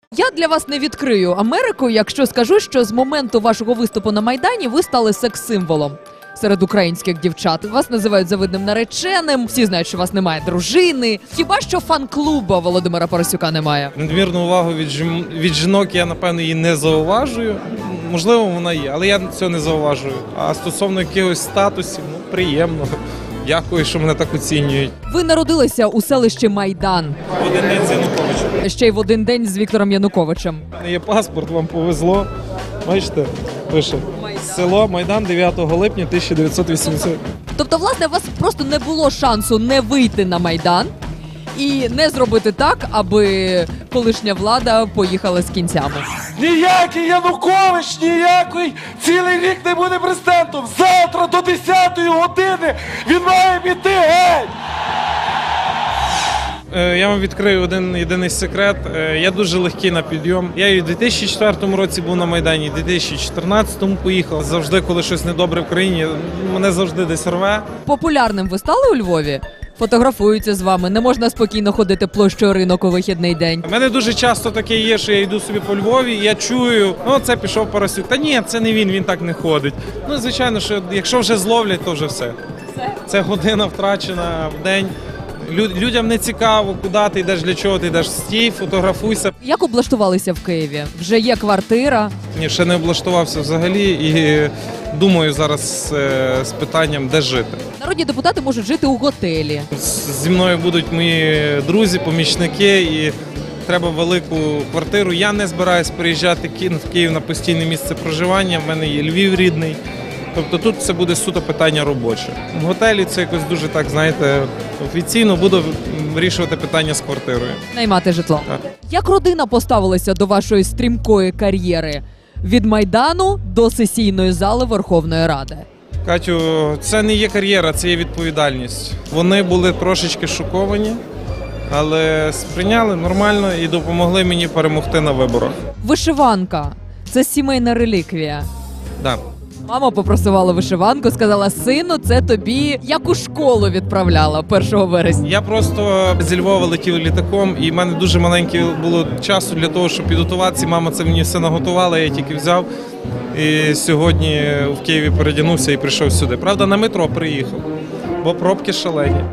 Я для вас не відкрию Америку, якщо скажу, що з моменту вашого виступу на Майдані ви стали секс-символом серед українських дівчат. Вас називають завидним нареченим, всі знають, що у вас немає дружини. Хіба що фан-клуба Володимира Парасюка немає? Надмірну увагу від жінок я, напевно, її не зауважую. Можливо, вона є, але я цього не зауважую. А стосовно якихось статусів, приємно. Дякую, що мене так оцінюють. Ви народилися у селищі Майдан. В один день з Януковичем. Ще й в один день з Віктором Януковичем. Є паспорт, вам повезло. Бачите, пише. Село Майдан 9 липня 1980. Тобто, власне, у вас просто не було шансу не вийти на Майдан і не зробити так, аби колишня влада поїхала з кінцями. Ніякий Янукович, ніякий цілий рік не буде президентом. Завтра до 10-ї години він має піти геть. Я вам відкрию один єдиний секрет. Я дуже легкий на підйом. Я і в 2004 році був на Майдані, і в 2014 поїхав. Завжди, коли щось недобре в країні, мене завжди десь рве. Популярним ви стали у Львові? Фотографуються з вами, не можна спокійно ходити площею Ринок у вихідний день. У мене дуже часто таке є, що я йду собі по Львові, і я чую, це пішов Парасюк. Та ні, це не він так не ходить. Звичайно, що якщо вже зловлять, то вже все. Це година втрачена в день. Людям не цікаво, куди ти йдеш, для чого ти йдеш. Стій, фотографуйся. Як облаштувалися в Києві? Вже є квартира? Ні, ще не облаштувався взагалі і думаю зараз з питанням, де жити. Народні депутати можуть жити у готелі. Зі мною будуть мої друзі, помічники і треба велику квартиру. Я не збираюсь переїжджати в Київ на постійне місце проживання, в мене є Львів рідний. Тобто тут це буде суто питання робоче. В готелі це якось дуже так, знаєте, офіційно буду вирішувати питання з квартирою. Наймати житло. Так. Як родина поставилася до вашої стрімкої кар'єри? Від Майдану до сесійної зали Верховної Ради. Катю, це не є кар'єра, це є відповідальність. Вони були трошечки шоковані, але сприйняли нормально і допомогли мені перемогти на виборах. Вишиванка – це сімейна реліквія. Да. Мама попросувала вишиванку, сказала: сину, це тобі як у школу відправляла 1 вересня. Я просто зі Львова летів літаком, і в мене дуже маленьке було часу для того, щоб підготуватися. Мама це мені все наготувала, я тільки взяв. І сьогодні в Києві передягнувся і прийшов сюди. Правда, на метро приїхав, бо пробки шалені.